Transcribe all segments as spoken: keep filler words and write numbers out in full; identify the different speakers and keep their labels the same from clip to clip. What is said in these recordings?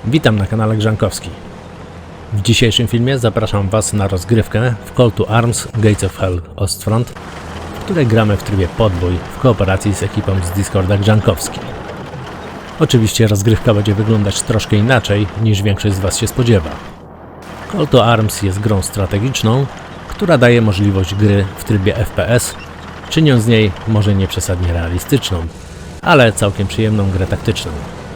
Speaker 1: Witam na kanale Grzankowski. W dzisiejszym filmie zapraszam Was na rozgrywkę w Call to Arms Gates of Hell Ostfront, w której gramy w trybie podbój w kooperacji z ekipą z Discorda Grzankowski. Oczywiście rozgrywka będzie wyglądać troszkę inaczej niż większość z Was się spodziewa. Call to Arms jest grą strategiczną, która daje możliwość gry w trybie F P S, czyniąc z niej może nie przesadnie realistyczną, ale całkiem przyjemną grę taktyczną.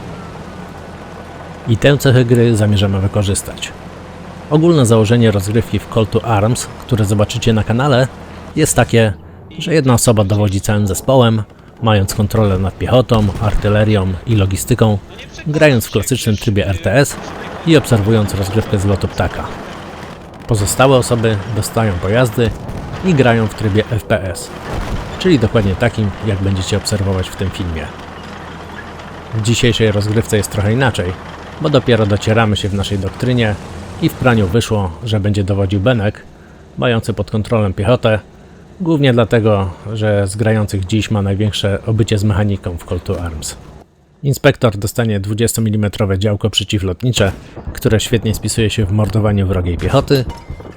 Speaker 1: I tę cechę gry zamierzamy wykorzystać. Ogólne założenie rozgrywki w Call to Arms, które zobaczycie na kanale, jest takie, że jedna osoba dowodzi całym zespołem, mając kontrolę nad piechotą, artylerią i logistyką, grając w klasycznym trybie R T S i obserwując rozgrywkę z lotu ptaka. Pozostałe osoby dostają pojazdy i grają w trybie F P S, czyli dokładnie takim, jak będziecie obserwować w tym filmie. W dzisiejszej rozgrywce jest trochę inaczej, bo dopiero docieramy się w naszej doktrynie i w praniu wyszło, że będzie dowodził Benek, mający pod kontrolą piechotę, głównie dlatego, że z grających dziś ma największe obycie z mechaniką w Call to Arms. Inspektor dostanie dwudziestomilimetrowe działko przeciwlotnicze, które świetnie spisuje się w mordowaniu wrogiej piechoty.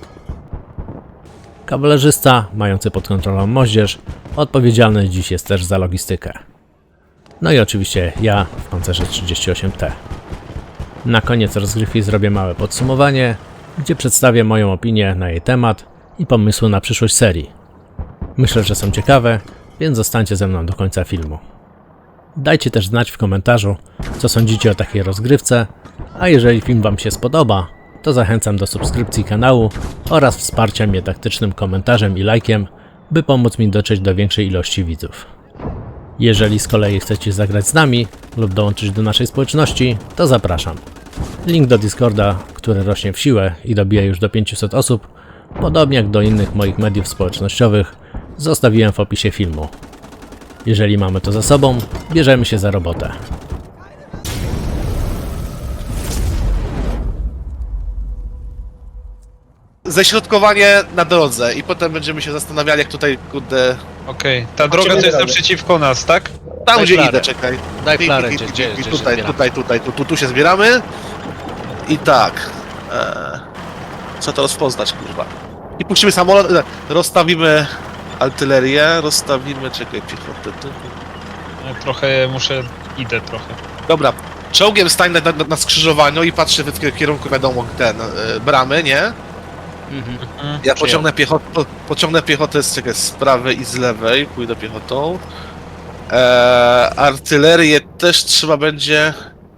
Speaker 1: Kawalerzysta, mający pod kontrolą moździerz, odpowiedzialny dziś jest też za logistykę. No i oczywiście ja w pancerze trzydzieści osiem T. Na koniec rozgrywki zrobię małe podsumowanie, gdzie przedstawię moją opinię na jej temat i pomysły na przyszłość serii. Myślę, że są ciekawe, więc zostańcie ze mną do końca filmu. Dajcie też znać w komentarzu, co sądzicie o takiej rozgrywce, a jeżeli film Wam się spodoba, to zachęcam do subskrypcji kanału oraz wsparcia mnie taktycznym komentarzem i lajkiem, by pomóc mi dotrzeć do większej ilości widzów. Jeżeli z kolei chcecie zagrać z nami lub dołączyć do naszej społeczności, to zapraszam. Link do Discorda, który rośnie w siłę i dobija już do pięciuset osób, podobnie jak do innych moich mediów społecznościowych, zostawiłem w opisie filmu. Jeżeli mamy to za sobą, bierzemy się za robotę.
Speaker 2: Ześrodkowanie na drodze i potem będziemy się zastanawiali, jak tutaj, kurde...
Speaker 3: Okej, ta droga to jest naprzeciwko nas, tak?
Speaker 2: Tam,
Speaker 1: Daj
Speaker 2: gdzie
Speaker 1: flarę.
Speaker 2: idę, czekaj.
Speaker 1: Daj
Speaker 2: I-
Speaker 1: flarę,
Speaker 2: i-
Speaker 1: gdzie-
Speaker 2: i-
Speaker 1: gdzie-
Speaker 2: i-
Speaker 1: gdzie się
Speaker 2: Tutaj,
Speaker 1: zbieramy.
Speaker 2: tutaj, tutaj, tu, tu, tu się zbieramy. I tak. E, co to rozpoznać, kurwa? I puścimy samolot, e, rozstawimy artylerię, rozstawimy, czekaj, piechotę. tu.
Speaker 3: Ja trochę muszę, idę trochę.
Speaker 2: Dobra, czołgiem stań na, na, na skrzyżowaniu i patrzę w kierunku, wiadomo, ten, e, bramy, nie?
Speaker 3: Mhm,
Speaker 2: Ja
Speaker 3: przyjął.
Speaker 2: pociągnę piechotę, po, pociągnę piechotę z, czekaj, z prawej i z lewej, pójdę piechotą. Eee, artylerię też trzeba będzie...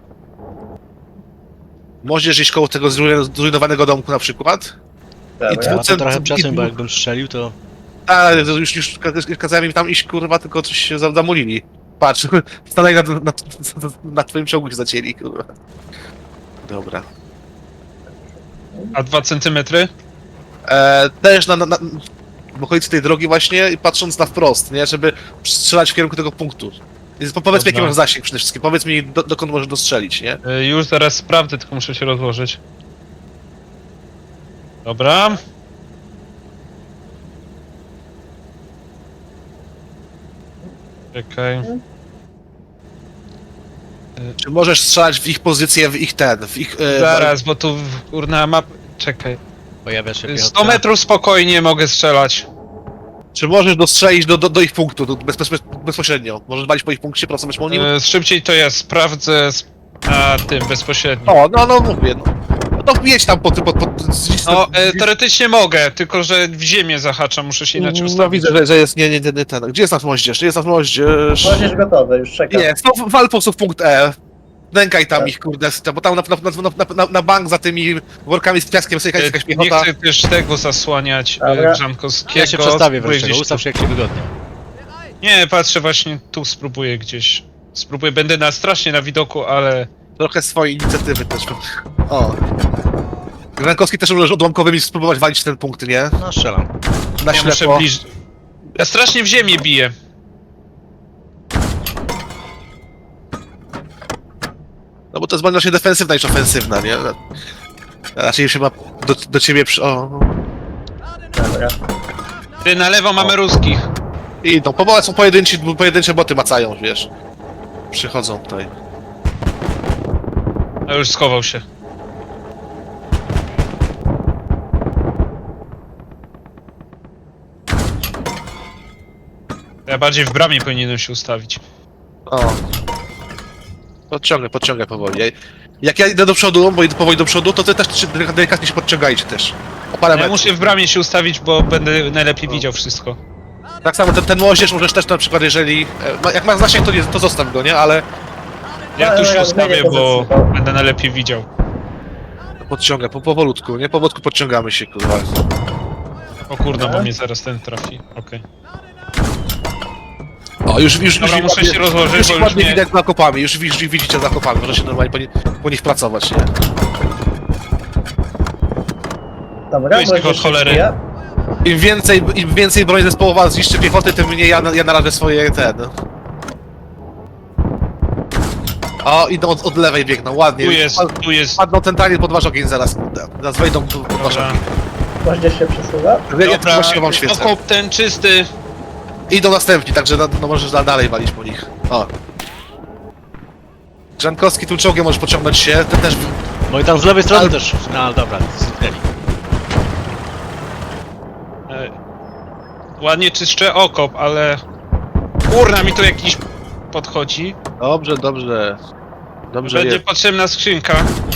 Speaker 2: Możesz iść koło tego zrujno- zrujnowanego domku na przykład. I
Speaker 4: Dobra.
Speaker 2: dwucent-
Speaker 5: To trochę
Speaker 2: i
Speaker 5: przesąd, bo
Speaker 2: dwu-
Speaker 5: jakbym strzelił, to...
Speaker 2: A, już, już ka- kazałem im tam iść, kurwa, tylko coś się za- zamulili. Patrz, stanęli na, na, na, na twoim czołgu się zacięli, kurwa. Dobra.
Speaker 3: A dwa centymetry?
Speaker 2: Eee, też na, na, na w okolicy tej drogi właśnie i patrząc na wprost, nie? Żeby strzelać w kierunku tego punktu. Więc po- powiedz mi, jaki
Speaker 3: Dobra.
Speaker 2: masz zasięg przede wszystkim, powiedz mi, do, dokąd możesz dostrzelić, nie?
Speaker 3: Y, Już zaraz sprawdzę, tylko muszę się rozłożyć. Dobra. Czekaj.
Speaker 2: Czy możesz strzelać w ich pozycję, w ich ten, w ich... E,
Speaker 3: Zaraz, bo tu kurna map... Czekaj.
Speaker 5: Pojawia się
Speaker 3: sto
Speaker 5: piechota.
Speaker 3: metrów spokojnie mogę strzelać.
Speaker 2: Czy możesz dostrzelić do, do, do ich punktu, do, bez, bez, bezpośrednio? Możesz walić po ich punkcie, pracować po nim?
Speaker 3: Y, Szybciej to ja sprawdzę z... A tym bezpośrednio.
Speaker 2: O, no, no mówię, no. No to wjedź tam pod... pod, pod, pod
Speaker 3: No, e, teoretycznie mogę, tylko że w ziemię zahaczam, muszę się inaczej
Speaker 2: No
Speaker 3: ustawić.
Speaker 2: widzę, że, że jest, nie, nie, nie, nie ten. Gdzie jest nasz moździerz? Gdzie jest nasz moździerz?
Speaker 4: Możesz gotowe, już czekam.
Speaker 2: Nie, no, wal po prostu w punkt E. Nękaj tam ich, kurde, bo tam na, na, na, na, na, na bank za tymi workami z piaskiem sobie
Speaker 3: E,
Speaker 2: jakaś
Speaker 3: Nie
Speaker 2: piechota.
Speaker 3: chcę też tego zasłaniać,
Speaker 4: Dobra.
Speaker 3: e, Grzankowskiego.
Speaker 5: Ja się przestawię
Speaker 3: Spróbuję
Speaker 5: wreszcie,
Speaker 3: gdzieś
Speaker 5: ustaw
Speaker 3: tu-
Speaker 5: się jak ci wygodnie.
Speaker 3: Nie, patrzę właśnie tu, spróbuję gdzieś. Spróbuję, będę na strasznie na widoku, ale...
Speaker 2: Trochę swojej inicjatywy też. O. Grankowski też może odłamkowymi spróbować walić w ten punkt, nie?
Speaker 5: No strzelam.
Speaker 2: Na
Speaker 3: Ja muszę
Speaker 2: ślepo.
Speaker 3: bliżej. Ja strasznie w ziemię biję.
Speaker 2: No bo to jest broń raczej defensywna niż ofensywna, nie? Raczej się ma do, do ciebie przy... O.
Speaker 4: Dobra.
Speaker 3: Ty, na lewo mamy ruskich.
Speaker 2: I no, po są pojedynczy, pojedyncze boty macają, wiesz. Przychodzą tutaj.
Speaker 3: A już schował się. Ja bardziej w bramie powinienem się ustawić.
Speaker 2: O. Podciągaj, podciągaj powoli. Jak ja idę do przodu, bo idę powoli do przodu, to ty też się delikatnie się podciągajcie też. O parę
Speaker 3: Ja
Speaker 2: metrów.
Speaker 3: muszę w bramie się ustawić, bo będę najlepiej widział wszystko.
Speaker 2: Tak samo ten, ten moździerz możesz też na przykład, jeżeli... e, ma- Jak masz zasięg, to, nie, to zostaw go, nie? Ale
Speaker 3: Ja tu
Speaker 4: Ale
Speaker 3: się
Speaker 4: ja
Speaker 3: ustawię,
Speaker 4: zmienię
Speaker 3: bo
Speaker 4: pozycję, bo-
Speaker 3: będę najlepiej widział.
Speaker 2: podciągaj, po, powolutku, nie? Powolutku podciągamy się, kurwa.
Speaker 3: O kurde,
Speaker 4: Dobra.
Speaker 3: bo mnie zaraz ten trafi. Okej.
Speaker 2: O, już, już,
Speaker 3: Dobra,
Speaker 2: już,
Speaker 3: muszę
Speaker 2: ładnie-
Speaker 3: się rozłożyć,
Speaker 2: już
Speaker 3: bo
Speaker 2: ich
Speaker 3: już
Speaker 2: ładnie
Speaker 3: nie-
Speaker 2: widać za okopami, już, widzisz- widzicie za okopami, może się normalnie po, nie, po nich pracować, nie?
Speaker 4: Dobra,
Speaker 3: Tu jest tylko
Speaker 4: możesz
Speaker 3: od cholery.
Speaker 4: ja.
Speaker 2: Im więcej, im więcej broni zespołowa zniszczy piechoty, tym mniej ja, ja narażę swoje ten. O, idą od, od lewej biegną, ładnie.
Speaker 3: Tu jest,
Speaker 2: Pad-
Speaker 3: tu jest.
Speaker 2: Padną centralnie pod wasz ogień zaraz, kurde. Zaraz wejdą tu pod wasz
Speaker 3: Dobra,
Speaker 2: ogień.
Speaker 4: Moździerz się przesuwa.
Speaker 2: Ja, ja
Speaker 3: dobra.
Speaker 2: właściwie wam świecę.
Speaker 3: Okop ten czysty.
Speaker 2: Idą następni, także no, no możesz da- dalej walić po nich. O. Grzankowski tu czołgiem możesz pociągnąć się, ten też...
Speaker 5: No i tam z lewej strony
Speaker 2: Ale-
Speaker 5: też. No dobra, zniknęli.
Speaker 3: E, ładnie czyszczę okop, ale... Kurna, mi tu jakiś podchodzi.
Speaker 2: Dobrze, dobrze. Dobrze
Speaker 3: Będzie
Speaker 2: jest.
Speaker 3: potrzebna skrzynka.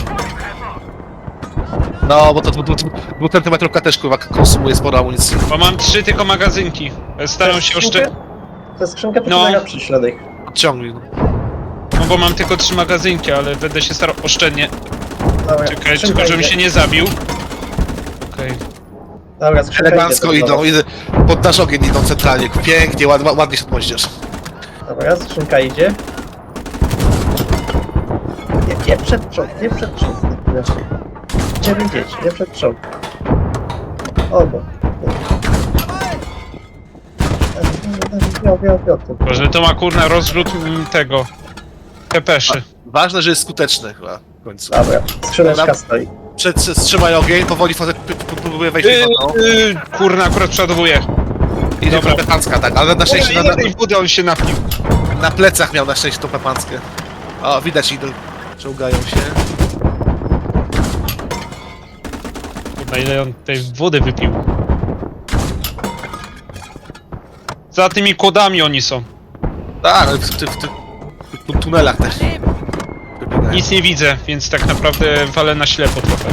Speaker 2: No, bo to dwucentymetrówka też kurwa konsumuje sporo amunicji.
Speaker 3: Bo mam trzy tylko magazynki. E, Staram się oszczędzić.
Speaker 4: To skrzynkę to
Speaker 3: No.
Speaker 4: no. przyślady.
Speaker 2: Odciągnij.
Speaker 3: No bo mam tylko trzy magazynki, ale będę się starał oszczędnie.
Speaker 4: Dobra,
Speaker 3: Czekaj,
Speaker 4: skrzynka
Speaker 3: tylko żebym
Speaker 4: idzie.
Speaker 3: się nie zabił. Okej.
Speaker 4: Dobra, skrzynka
Speaker 2: Elegancko
Speaker 4: idzie do
Speaker 2: idą,
Speaker 4: przodu.
Speaker 2: idę, pod nasz ogień idą centralnie, pięknie, ład, ład- ładnie się odmoździesz.
Speaker 4: Dobra, skrzynka idzie. Nie, nie przed czołg, nie przed czołg. Gdzie widzieć, nie przed czołg. Obo. Wio, wio, wio, tu.
Speaker 3: Boże, to ma kurna rozrzut mm, tego. Pepeszy.
Speaker 2: Ważne, że jest skuteczny chyba w końcu.
Speaker 4: Dobra, skrzyneczka
Speaker 2: Dobra.
Speaker 4: stoi.
Speaker 2: Przed, wstrzymaj ogień, powoli fazę p- p- próbuje wejść w
Speaker 3: Yy,
Speaker 2: piechotą.
Speaker 3: yy, kurna, akurat przeładowuję.
Speaker 2: Idzie
Speaker 3: dobra.
Speaker 2: pepancka, tak, ale na szczęście na,
Speaker 3: Ile
Speaker 2: na,
Speaker 3: tej wody on się napił?
Speaker 2: na plecach miał na szczęście tą pepanckę. O, widać idol. Czołgają się.
Speaker 3: Kurna, ile on tej wody wypił. Za tymi kłodami oni są.
Speaker 2: Tak, ale w, w, w, w, w tunelach też. Wybiegają.
Speaker 3: Nic nie widzę, więc tak naprawdę walę na ślepo trochę.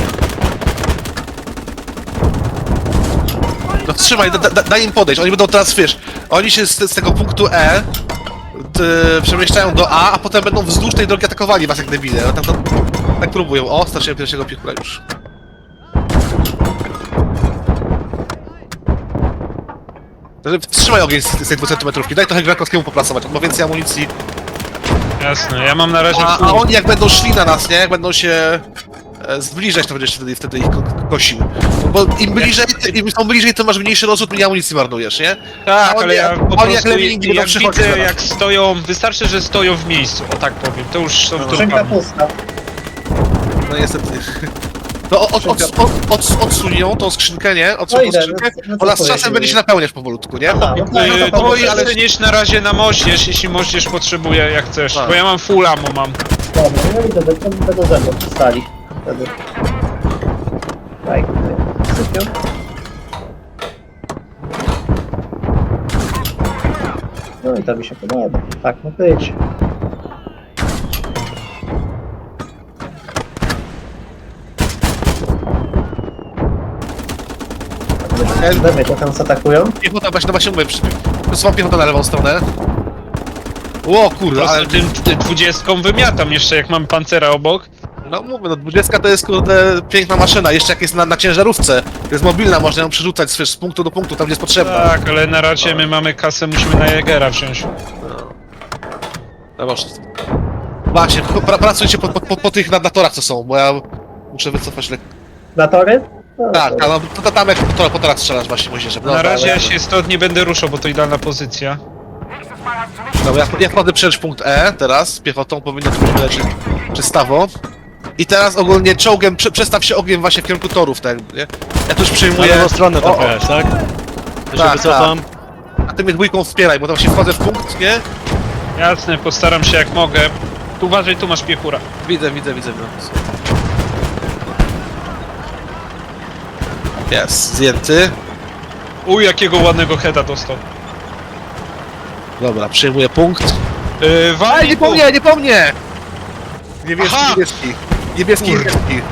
Speaker 2: No trzymaj, da, da, daj im podejść, oni będą teraz, wiesz, oni się z, z tego punktu E t, przemieszczają do A, a potem będą wzdłuż tej drogi atakowali was jak debile. No, tam, tam, tak próbują. O, straciłem pierwszego piechura już. Także wstrzymaj ogień z, z tej dwucentymetrówki, daj trochę Grankowskiemu popracować, on ma więcej amunicji.
Speaker 3: Jasne, ja mam na razie
Speaker 2: A,
Speaker 3: full.
Speaker 2: a oni jak będą szli na nas, nie? Jak będą się e, zbliżać, to będziesz wtedy, wtedy ich ko kosił. Bo im bliżej, ty- im są bliżej, tym masz mniejszy rozrzut, mniej amunicji marnujesz, nie?
Speaker 3: Tak,
Speaker 2: oni
Speaker 3: ale ja
Speaker 2: jak-
Speaker 3: po
Speaker 2: oni
Speaker 3: prostu
Speaker 2: jak lemming będą
Speaker 3: jak
Speaker 2: przychodzić
Speaker 3: widzę
Speaker 2: zaraz.
Speaker 3: jak stoją, wystarczy, że stoją w miejscu, o tak powiem, to już są
Speaker 4: Skrzynka
Speaker 3: turpami.
Speaker 4: pusta.
Speaker 2: No niestety. To od, od, od, od, od, odsuń ją, tą skrzynkę, nie? Odsuń
Speaker 4: No
Speaker 2: tą
Speaker 4: idę,
Speaker 2: skrzynkę.
Speaker 4: no, no
Speaker 2: Ona z
Speaker 4: co
Speaker 2: czasem
Speaker 4: powiedzieć?
Speaker 2: będzie się napełniać powolutku, nie?
Speaker 4: Aha, no tak,
Speaker 3: Yy,
Speaker 4: no to
Speaker 3: to
Speaker 4: powoli,
Speaker 2: ale-
Speaker 3: przenieść na razie na moździerz, jeśli moździerz potrzebuje, jak chcesz,
Speaker 2: Tak.
Speaker 3: bo ja mam full ammo mam.
Speaker 4: Dobra, no idę, będą będą ze mną przystali. Wtedy. Daj, sypią. No i to mi się podoba. Tak ma być. Lewy to tam zaatakują.
Speaker 2: Piechota, właśnie, no właśnie mówię, przy- przesuwam piechotę na lewą stronę. Ło kurde, ale...
Speaker 3: Ale tym tym dwudziestką wymiatam jeszcze, jak mam pancera obok.
Speaker 2: No mówię, no dwudziestka to jest kurde piękna maszyna, jeszcze jak jest na, na ciężarówce. Jest mobilna, można ją przerzucać wiesz, z punktu do punktu, tam gdzie jest potrzebna.
Speaker 3: Tak, ale na razie my mamy kasę, musimy na Jägera wziąć.
Speaker 2: No właśnie. Właśnie, pra, pracujcie po, po, po, po tych nadatorach co są, bo ja muszę wycofać lekko.
Speaker 4: Na tory? No,
Speaker 2: Tak,
Speaker 4: to-
Speaker 2: tak, no, to, to tam jak po, tora- po torach strzelasz właśnie moździerze.
Speaker 3: Na
Speaker 2: Dobra,
Speaker 3: razie
Speaker 2: ale-
Speaker 3: ja się stąd nie będę ruszał, bo to idealna pozycja.
Speaker 2: Dobra, ja, ja wchodzę przecież punkt E teraz, piechotą powinno to być leży czystawo. I teraz ogólnie czołgiem prze, przestaw się ogniem właśnie w kierunku torów, tak, nie? Ja tu już
Speaker 5: Na
Speaker 2: przyjmuję...
Speaker 5: lewą stronę
Speaker 2: O,
Speaker 5: tam
Speaker 2: o,
Speaker 5: pojechać, tak? To się
Speaker 2: Tak,
Speaker 5: wycofam.
Speaker 2: A ty mnie dwójką wspieraj, bo tam się wchodzę w punkt, nie?
Speaker 3: Jasne, postaram się jak mogę. Tu uważaj, tu masz piechura.
Speaker 2: Widzę, widzę, widzę. widzę. Jest, zdjęty.
Speaker 3: Uj, jakiego ładnego heada dostał.
Speaker 2: Dobra, przyjmuję punkt.
Speaker 3: Yy,
Speaker 2: Ej,
Speaker 3: walnij
Speaker 2: nie
Speaker 3: tu.
Speaker 2: po mnie, nie po mnie! Niebieski,
Speaker 3: Aha!
Speaker 2: niebieski. Niebieski,
Speaker 3: Kurde.
Speaker 2: niebieski.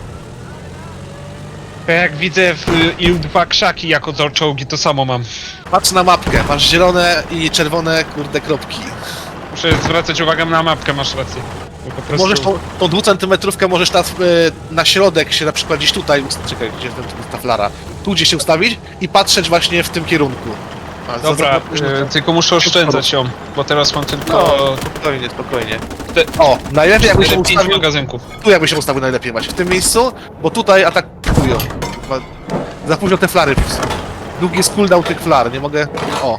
Speaker 3: Ja jak widzę w y, il dwa krzaki jako za czołgi, to samo mam.
Speaker 2: Patrz na mapkę, masz zielone i czerwone, kurde, kropki.
Speaker 3: Muszę zwracać uwagę na mapkę, masz rację. Bo po prostu...
Speaker 2: Możesz tą, tą dwucentymetrówkę możesz teraz y, na środek się na przykład gdzieś tutaj, ust- czekaj, gdzie jest ten- ta flara, tu gdzieś się ustawić i patrzeć właśnie w tym kierunku. A, za-
Speaker 3: Dobra,
Speaker 2: za-
Speaker 3: y, tylko muszę oszczędzać ją, bo teraz mam tylko...
Speaker 2: No, spokojnie, spokojnie.
Speaker 3: Te-
Speaker 2: O, najlepiej jakby się
Speaker 3: pięć
Speaker 2: ustawił,
Speaker 3: magazynków.
Speaker 2: tu jakby się ustawił najlepiej właśnie, w tym miejscu, bo tutaj atakują. Chyba za późno te flary. Długi jest cooldown tych flar, nie mogę... O,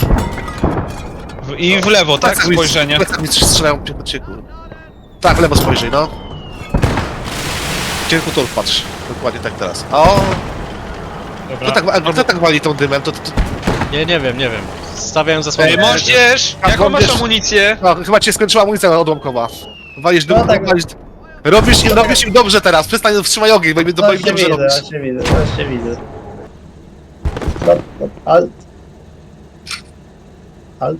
Speaker 3: W, I w lewo, tak?
Speaker 2: plecak mi-
Speaker 3: Spojrzenie.
Speaker 2: plecak mi strzelają po cieku. Tak, w lewo spojrzyj, no. Cienku tu patrz, dokładnie tak teraz. O,
Speaker 3: Dobra.
Speaker 2: kto tak, a kto tak wali tą dymem, to... to, to
Speaker 5: Nie, nie wiem, nie wiem. Stawiałem zasłonę.
Speaker 3: Ej, moździerz!
Speaker 2: A,
Speaker 3: Jaką masz
Speaker 2: moździerz.
Speaker 3: amunicję?
Speaker 2: no, chyba cię skończyła amunicja odłamkowa. Walisz dym,
Speaker 4: No tak.
Speaker 2: walisz... Robisz im, robisz im dobrze teraz, przestań, wstrzymaj ogień, bo im, bo im
Speaker 4: Właśnie
Speaker 2: dobrze
Speaker 4: widzę,
Speaker 2: robisz.
Speaker 4: właśnie widzę, właśnie widzę. No, no, alt. Alt.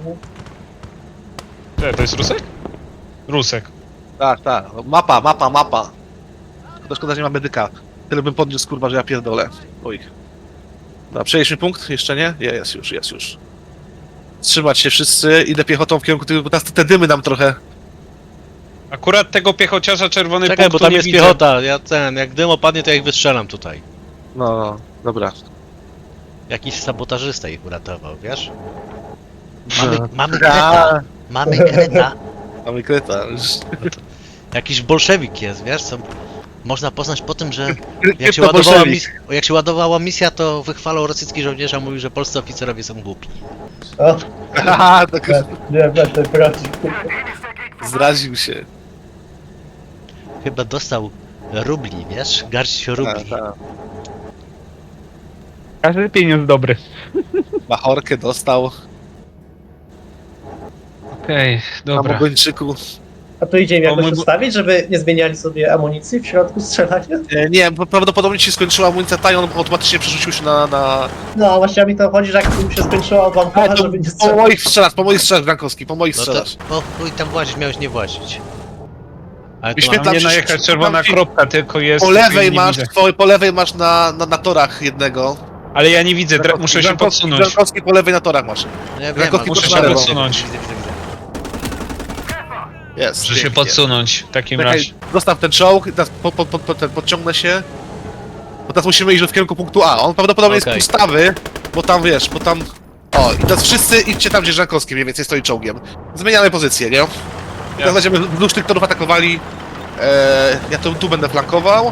Speaker 3: Cze, to jest Rusek? Rusek.
Speaker 2: Tak, tak, no, mapa, mapa, mapa. To szkoda, że nie ma medyka. Tyle bym podniósł, kurwa, że ja pierdolę. Oj. Dobra, przejęliśmy punkt? Jeszcze nie? Je, jest już, jest już. Trzymać się wszyscy, idę piechotą w kierunku tego, bo teraz te dymy nam trochę...
Speaker 3: Akurat tego piechociarza czerwony
Speaker 5: Czekaj, bo
Speaker 3: punktu
Speaker 5: tam
Speaker 3: nie
Speaker 5: jest
Speaker 3: widzę.
Speaker 5: piechota. Ja ten, jak dym opadnie, to ja ich wystrzelam tutaj.
Speaker 2: No, no, dobra.
Speaker 5: Jakiś sabotażysta ich uratował, wiesz? Mamy,
Speaker 2: No.
Speaker 5: mamy
Speaker 2: A,
Speaker 5: kreta. Mamy kreta.
Speaker 2: mamy kreta.
Speaker 5: Jakiś bolszewik jest, wiesz? Co można poznać po tym, że jak się,
Speaker 2: Krypto
Speaker 5: ładowała
Speaker 2: bolszewik.
Speaker 5: mis- jak się ładowała misja, to wychwalał rosyjski żołnierz, a mówił, że polscy oficerowie są głupi.
Speaker 4: O,
Speaker 2: Haha, tak
Speaker 4: nie będę prosił.
Speaker 2: zraził się.
Speaker 5: Chyba dostał rubli, wiesz? Garść
Speaker 2: Tak,
Speaker 5: rubli.
Speaker 2: tak.
Speaker 3: Każdy pieniądz dobry.
Speaker 2: Machorkę dostał.
Speaker 3: Okej,
Speaker 2: Na
Speaker 3: dobra.
Speaker 2: Mogończyku.
Speaker 4: A tu idzie im
Speaker 3: O,
Speaker 4: jakoś
Speaker 3: mój bu-
Speaker 4: ustawić, żeby nie zmieniali sobie amunicji w środku strzelania?
Speaker 2: E, Nie, bo prawdopodobnie ci się skończyła amunicja ta i on automatycznie przerzucił się na... na...
Speaker 4: No, właśnie mi to chodzi, że jak im się skończyła odłamkowa,
Speaker 2: to
Speaker 4: żeby nie
Speaker 2: po
Speaker 4: strzelać.
Speaker 2: moich strzelasz, po moich strzelasz, Brankowski, po moich
Speaker 5: No to,
Speaker 2: strzelasz.
Speaker 5: o chuj tam włazić, miałeś nie włazić. Ale to
Speaker 2: Wyświetlam
Speaker 3: Mam nie
Speaker 2: ci-
Speaker 3: najechać czerwona
Speaker 2: ci-
Speaker 3: kropka, tylko jest...
Speaker 2: Po lewej
Speaker 3: nie
Speaker 2: masz,
Speaker 3: widzę.
Speaker 2: po, po lewej masz na, na, na torach jednego.
Speaker 3: Ale ja nie widzę, dra- muszę się
Speaker 2: Brankowski-
Speaker 3: podsunąć.
Speaker 2: Brankowski po lewej na torach masz.
Speaker 5: ja wiem,
Speaker 2: Rakowski
Speaker 5: ale
Speaker 3: muszę
Speaker 5: muszę
Speaker 3: się
Speaker 5: się
Speaker 3: podsunąć.
Speaker 5: Widzę, widzę, widzę.
Speaker 2: Jest.
Speaker 3: Muszę się
Speaker 2: pięknie.
Speaker 3: podsunąć w takim
Speaker 2: Czekaj,
Speaker 3: razie.
Speaker 2: zostaw ten czołg, teraz po, po, po, po, ten, podciągnę się. Bo teraz musimy iść w kierunku punktu A. On prawdopodobnie
Speaker 5: Okej.
Speaker 2: jest pustawy, bo tam wiesz, bo tam... O, i teraz wszyscy idźcie tam, gdzie Żankowski mniej więcej stoi czołgiem. Zmieniamy pozycję, nie? I teraz będziemy wzdłuż tych torów atakowali. E, ja tu, tu będę flankował.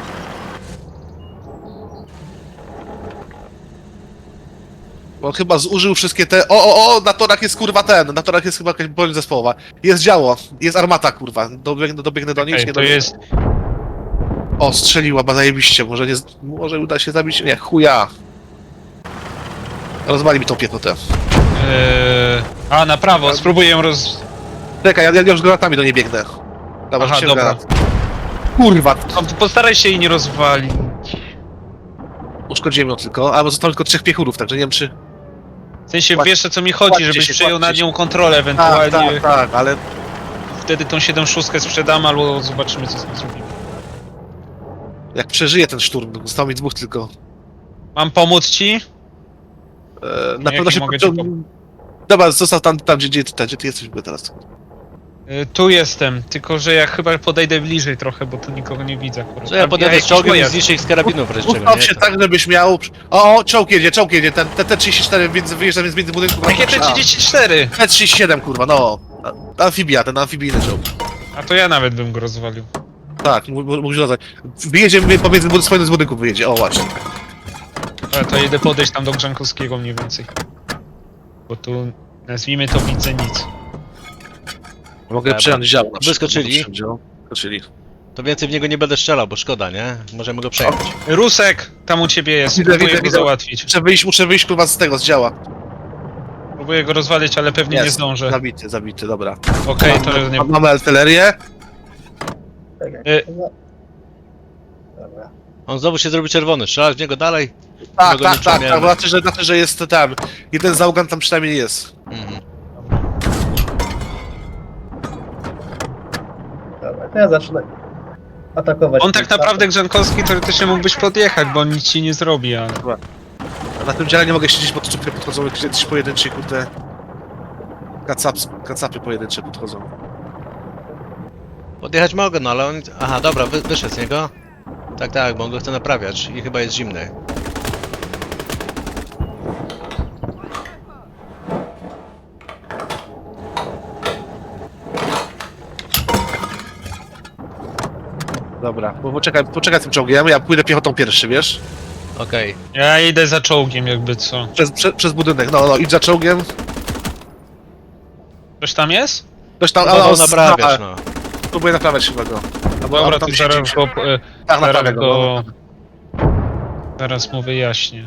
Speaker 2: Bo chyba zużył wszystkie te... O, o, o, na torach jest kurwa ten, na torach jest chyba jakaś broń zespołowa. Jest działo, jest armata kurwa. Dobiegnę, dobiegnę do niej,
Speaker 3: Ej,
Speaker 2: czy nie
Speaker 3: to
Speaker 2: dobiegnę?
Speaker 3: jest...
Speaker 2: O, strzeliła, ba zajebiście, może nie... z- Może uda się zabić... Nie, chuja. Rozwali mi tą piechotę.
Speaker 3: Eee... A, na prawo, spróbuję ją roz...
Speaker 2: Czekaj, ja, ja już granatami do niej biegnę. Dobra,
Speaker 3: Aha,
Speaker 2: rzuciłem
Speaker 3: dobra.
Speaker 2: granat. Kurwa,
Speaker 3: No, postaraj się jej nie rozwalić.
Speaker 2: uszkodziłem ją tylko, a zostało tylko trzech piechurów, także nie wiem czy...
Speaker 3: W sensie,
Speaker 2: Kładź-
Speaker 3: wiesz o co mi chodzi,
Speaker 2: kładźcie
Speaker 3: żebyś
Speaker 2: się,
Speaker 3: przejął
Speaker 2: kładźcie
Speaker 3: nad
Speaker 2: się.
Speaker 3: nią kontrolę
Speaker 2: Tak,
Speaker 3: ewentualnie.
Speaker 2: tak, tak, ale
Speaker 3: Wtedy tą siedem szóstkę sprzedamy, albo zobaczymy co z tym zrobimy.
Speaker 2: jak przeżyje ten szturm, zostało mi dwóch tylko.
Speaker 3: Mam pomóc ci?
Speaker 2: E, na
Speaker 3: Nie,
Speaker 2: pewno
Speaker 3: jak
Speaker 2: się
Speaker 3: nie mogę ci
Speaker 2: podciąg... Dobra, został tam, tam gdzie, gdzie, ty- gdzie ty jesteś w ogóle teraz.
Speaker 3: Y, Tu jestem, tylko że ja chyba podejdę bliżej trochę, bo tu nikogo nie widzę akurat.
Speaker 5: Co ja
Speaker 3: Tam
Speaker 5: podjadę z
Speaker 3: jakiś
Speaker 5: czołgiem i
Speaker 3: pojazd.
Speaker 5: zniszczę ich z karabinów wreszcie,
Speaker 2: Ustaw
Speaker 5: nie?
Speaker 2: się
Speaker 5: To-
Speaker 2: tak, żebyś miał... O, o, czołg jedzie, czołg jedzie, ten T trzydzieści cztery między, wyjeżdża między budynku.
Speaker 3: Jakie T trzydzieści cztery?
Speaker 2: T trzydzieści siedem, kurwa, no. A- Amfibia, ten amfibijny czołg.
Speaker 3: A to ja nawet bym go rozwalił.
Speaker 2: Tak, mógł się nazwać. Wyjedzie my- pomiędzy bud- swoim z budynków wyjedzie, o właśnie.
Speaker 3: Ale to jedę podejść tam do Grzankowskiego mniej więcej. Bo tu, nazwijmy to, widzę nic.
Speaker 2: Mogę
Speaker 5: Dobra.
Speaker 2: przejąć dział na przykład.
Speaker 5: Wyskoczyli?
Speaker 2: Mogę przejąć dział. Wyskoczyli.
Speaker 5: To więcej w niego nie będę strzelał, bo szkoda, nie? Możemy go przejąć.
Speaker 3: Rusek, tam u ciebie jest,
Speaker 2: Widzę,
Speaker 3: próbuję
Speaker 2: widzę,
Speaker 3: go
Speaker 2: widzę.
Speaker 3: załatwić.
Speaker 2: Muszę wyjść, muszę wyjść kurwa z tego, z działa.
Speaker 3: Próbuję Próbuję go rozwalić, ale pewnie nie
Speaker 2: Jest,
Speaker 3: zdążę.
Speaker 2: zabity, zabity, dobra.
Speaker 3: Okej, to nie...
Speaker 2: Mamy artylerię.
Speaker 4: Czekaj.
Speaker 3: Y-
Speaker 4: Dobra.
Speaker 5: On znowu się zrobi czerwony, strzelać w niego dalej.
Speaker 2: Tak,
Speaker 5: go
Speaker 2: tak,
Speaker 5: nie
Speaker 2: tak, tak,
Speaker 5: przejmiemy.
Speaker 2: znaczy, że, znaczy, że jest tam. Jeden załogan tam przynajmniej jest.
Speaker 5: Mhm.
Speaker 4: Dobra, to ja zacznę atakować.
Speaker 3: On
Speaker 4: tym
Speaker 3: tak naprawdę, Grzankowski, teoretycznie mógłbyś podjechać, bo on nic ci nie zrobi, ale...
Speaker 2: A na tym dziale nie mogę siedzieć, bo to czupie podchodzą jakieś pojedyncze, kurde... Kacaps, kacapy pojedyncze podchodzą.
Speaker 5: Podjechać mogę, no ale on... Aha, dobra, wy, wyszedł z niego. Tak, tak, bo on go chce naprawiać i chyba jest zimny.
Speaker 2: Dobra, bo poczekaj, poczekaj z tym czołgiem, ja pójdę piechotą pierwszy, wiesz?
Speaker 5: Okej.
Speaker 3: Ja idę za czołgiem, jakby co.
Speaker 2: Przez, prze, przez budynek, no, no, idź za czołgiem.
Speaker 3: Ktoś tam jest?
Speaker 2: Ktoś tam,
Speaker 5: Próbował
Speaker 2: ale
Speaker 5: naprawiać, no.
Speaker 2: Próbuję naprawiać chyba go. Albo,
Speaker 3: Dobra,
Speaker 2: albo
Speaker 3: to
Speaker 2: tam
Speaker 3: zaraz
Speaker 2: siedzi.
Speaker 3: go... y,
Speaker 2: Tak, naprawię
Speaker 3: Zaraz
Speaker 2: go.
Speaker 3: go...
Speaker 2: No.
Speaker 3: Zaraz mu wyjaśnię.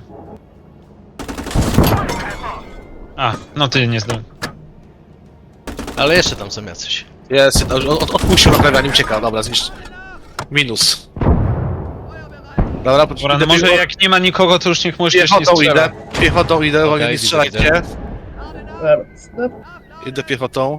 Speaker 3: A, no ty nie zdążył.
Speaker 5: Ale jeszcze tam są jacyś.
Speaker 2: Jest, od, od, odpuścił naprawianie, ucieka, dobra, zniszcz. Minus. Dobra, po-
Speaker 3: Dobra, no
Speaker 2: idę
Speaker 3: może
Speaker 2: piechotą-
Speaker 3: jak nie ma nikogo, to już niech może też nie
Speaker 2: Piechotą
Speaker 3: strzela.
Speaker 2: idę, piechotą idę,
Speaker 5: Okej,
Speaker 2: okay, nie
Speaker 5: widzę,
Speaker 2: strzelajcie.
Speaker 5: widzę.
Speaker 4: Dobra, stop.
Speaker 2: Idę piechotą.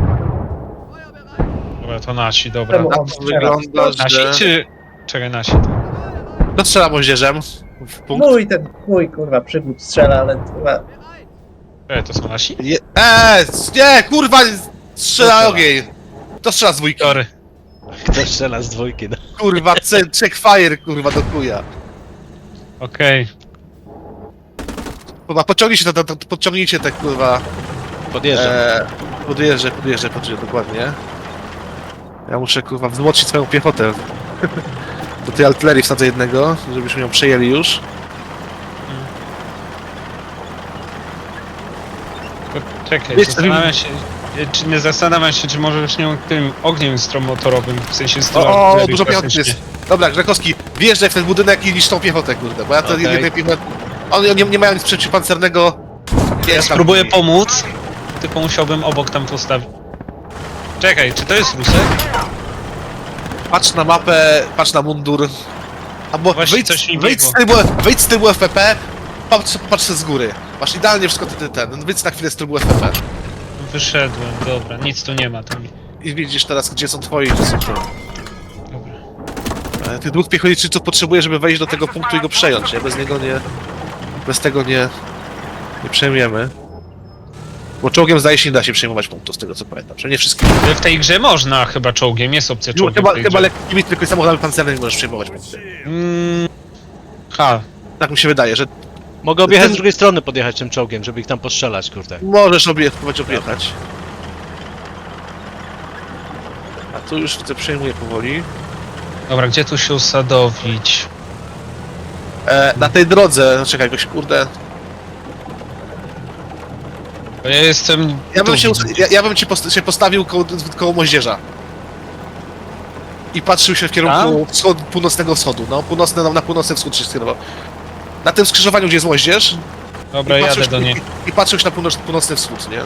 Speaker 3: Dobra, to nasi, dobra.
Speaker 4: Czemu
Speaker 2: Na
Speaker 4: on
Speaker 2: to
Speaker 4: strzela?
Speaker 2: wygląda,
Speaker 3: Nasi
Speaker 2: że...
Speaker 3: czy... Czekaj, nasi.
Speaker 2: Kto strzela moździerzem? W punkt?
Speaker 4: Mój ten, mój kurwa przygód strzela, ale kurwa.
Speaker 3: Czekaj, to są nasi?
Speaker 2: Je... Eee, nie, kurwa, strzela
Speaker 5: strzela?
Speaker 2: ogień. Kto strzela z dwójki?
Speaker 3: Sorry.
Speaker 5: Kto strzela z dwójki, no.
Speaker 2: Kurwa, ce- checkfire, kurwa, do chuja.
Speaker 3: Okej.
Speaker 2: Kurwa, pociągnijcie te, te, te, podciągnijcie te, kurwa...
Speaker 5: Podjeżdżam.
Speaker 2: Eee, podjeżdżę, podjeżdżę, podjeżdżę, dokładnie. Ja muszę, kurwa, wzmocnić swoją piechotę. Do tej artylerii wsadzę jednego, żebyśmy ją przejęli już.
Speaker 3: Tylko Czekaj,
Speaker 2: Wiesz,
Speaker 3: zastanawiam się... Czy nie zastanawiam się, czy może już nie tym ogniem stromotorowym, w sensie z
Speaker 2: O, o, dużo piechoty jest. Dobra, Grzechowski, wjeżdżaj w ten budynek i niszcz tą piechotę, kurde, bo ja to
Speaker 5: Okej.
Speaker 2: jednej piechotę... Oni nie, nie mają nic przeciwpancernego. Nie,
Speaker 3: Ja spróbuję pomóc, tylko musiałbym obok tam postawić. Czekaj, czy to jest Rusek?
Speaker 2: Patrz na mapę, patrz na mundur. Albo
Speaker 3: Właśnie
Speaker 2: wyjdź,
Speaker 3: coś mi
Speaker 2: wyjdź, z
Speaker 3: biegło.
Speaker 2: trybu, wyjdź z trybu F P P, patrz, patrz z góry. Masz idealnie wszystko ty, ty, ten, wyjdź na chwilę z trybu F P P.
Speaker 3: Wyszedłem, dobra, nic tu nie ma tam.
Speaker 2: I widzisz teraz, gdzie są twoi, gdzie są twoi.
Speaker 3: Dobra.
Speaker 2: E, Tych dwóch piechotniczych potrzebuję, żeby wejść do tego punktu i go przejąć, nie? Bez niego nie... Bez tego nie... Nie przejmiemy. Bo czołgiem zdaje się nie da się przejmować punktu, z tego co pamiętam. Przynajmniej nie wszystkich.
Speaker 3: W tej grze można chyba czołgiem, jest opcja czołgiem.
Speaker 2: Chyba,
Speaker 3: w tej
Speaker 2: chyba
Speaker 3: grze.
Speaker 2: lekkimi tylko samochodami pancernymi możesz przejmować punkty.
Speaker 3: Mm, ha,
Speaker 2: Tak mi się wydaje, że
Speaker 5: Mogę objechać
Speaker 2: ten-
Speaker 5: z drugiej strony, podjechać tym czołgiem, żeby ich tam postrzelać, kurde.
Speaker 2: możesz obie, próbować objechać. A tu już widzę, przejmuję powoli.
Speaker 3: dobra, gdzie tu się usadowić?
Speaker 2: E, na tej drodze, no czekaj, jakoś kurde.
Speaker 3: Bo ja jestem...
Speaker 2: Ja bym
Speaker 3: tu
Speaker 2: się,
Speaker 3: widzę.
Speaker 2: ja, ja bym ci post się postawił koło, koło moździerza. I patrzył się w kierunku wschod, północnego wschodu, no, północny, no, na północny wschód się skierował. Na tym skrzyżowaniu, gdzie jest moździerz.
Speaker 3: Dobra,
Speaker 2: i
Speaker 3: jadę
Speaker 2: patrzył,
Speaker 3: do
Speaker 2: i,
Speaker 3: niej.
Speaker 2: i, I patrzył się na północ, północny wschód, nie?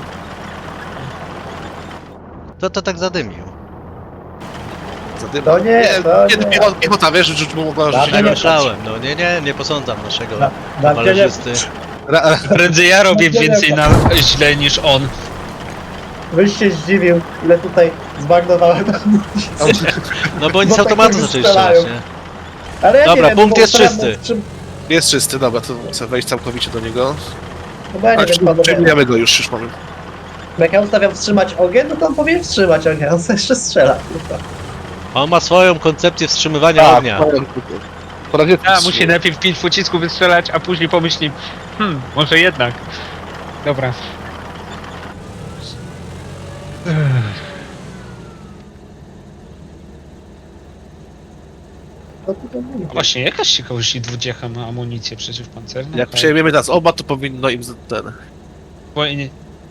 Speaker 5: To to tak zadymił.
Speaker 2: Zadyma.
Speaker 4: To nie, to
Speaker 2: nie.
Speaker 4: nie.
Speaker 2: Piechota, piechota, wiesz, rzuć mu mogła
Speaker 4: Dobra,
Speaker 2: rzucić.
Speaker 5: Tak
Speaker 4: nie
Speaker 5: myślałem, no nie, nie, nie posądzam naszego
Speaker 4: Na, na
Speaker 5: malerzysty.
Speaker 2: Ra, ra,
Speaker 3: Prędzej ja robię więcej na źle niż on.
Speaker 4: Byś się zdziwił, ile tutaj zbagnowałem.
Speaker 5: No bo oni
Speaker 4: Bo
Speaker 5: z
Speaker 4: tak
Speaker 5: automatu
Speaker 4: jak
Speaker 5: zaczęli
Speaker 4: strzelają.
Speaker 5: strzelać, nie?
Speaker 4: Ale ja
Speaker 5: Dobra,
Speaker 4: nie wiem,
Speaker 5: punkt
Speaker 4: bo
Speaker 5: jest
Speaker 4: ustawiam
Speaker 5: czysty.
Speaker 4: wstrzym-
Speaker 2: jest czysty, dobra, to chcę wejść całkowicie do niego.
Speaker 4: No bo ja nie
Speaker 2: Ale
Speaker 4: wiem, panowie.
Speaker 2: przejmujemy go już, już mamy.
Speaker 4: Jak ja ustawiam wstrzymać ogień, no to on powinien wstrzymać ogień, on sobie jeszcze strzela. kurwa.
Speaker 5: On ma swoją koncepcję wstrzymywania
Speaker 2: Tak,
Speaker 5: ognia.
Speaker 2: po razie
Speaker 3: A, musi najpierw pięć pocisków wystrzelać, a później pomyśli, hmm, może jednak. Dobra.
Speaker 4: No to to mówię.
Speaker 3: Właśnie, jakaś ciekawość dwudziecha ma amunicję przeciwpancerną?
Speaker 2: Jak
Speaker 3: Tak.
Speaker 2: przejmiemy teraz oba, to powinno im z- ten...
Speaker 3: Bo nie-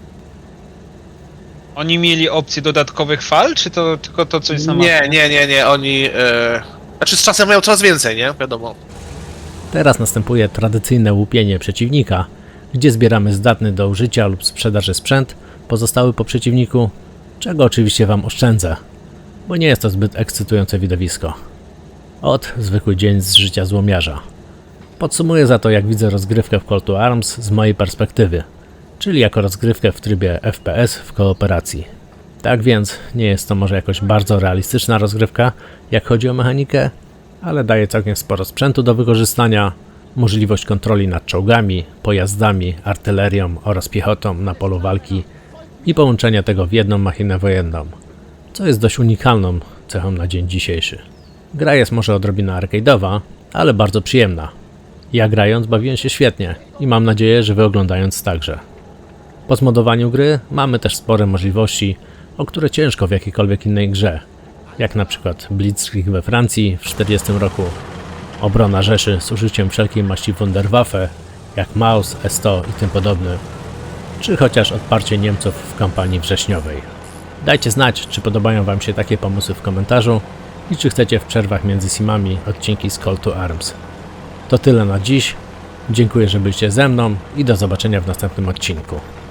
Speaker 3: Oni mieli opcję dodatkowych fal, czy to tylko to, co jest na mapie?
Speaker 2: Nie, nie, nie, nie, oni... E... Znaczy z czasem mają coraz więcej, nie? Wiadomo.
Speaker 1: Teraz następuje tradycyjne łupienie przeciwnika, gdzie zbieramy zdatny do użycia lub sprzedaży sprzęt pozostały po przeciwniku, czego oczywiście Wam oszczędzę, bo nie jest to zbyt ekscytujące widowisko. Ot, zwykły dzień z życia złomiarza. Podsumuję za to, jak widzę rozgrywkę w Call to Arms z mojej perspektywy, czyli jako rozgrywkę w trybie F P S w kooperacji. Tak więc nie jest to może jakoś bardzo realistyczna rozgrywka, jak chodzi o mechanikę, ale daje całkiem sporo sprzętu do wykorzystania, możliwość kontroli nad czołgami, pojazdami, artylerią oraz piechotą na polu walki i połączenia tego w jedną machinę wojenną, co jest dość unikalną cechą na dzień dzisiejszy. Gra jest może odrobina arcade'owa, ale bardzo przyjemna. Ja grając bawiłem się świetnie i mam nadzieję, że Wy oglądając także. Po zmodowaniu gry mamy też spore możliwości, o które ciężko w jakiejkolwiek innej grze, jak na przykład Blitzkrieg we Francji w czterdziestym roku, obrona Rzeszy z użyciem wszelkiej maści Wunderwaffe, jak Maus, S sto i tym podobne, czy chociaż odparcie Niemców w kampanii wrześniowej. Dajcie znać, czy podobają Wam się takie pomysły w komentarzu i czy chcecie w przerwach między simami odcinki z Call to Arms. To tyle na dziś. Dziękuję, że byliście ze mną i do zobaczenia w następnym odcinku.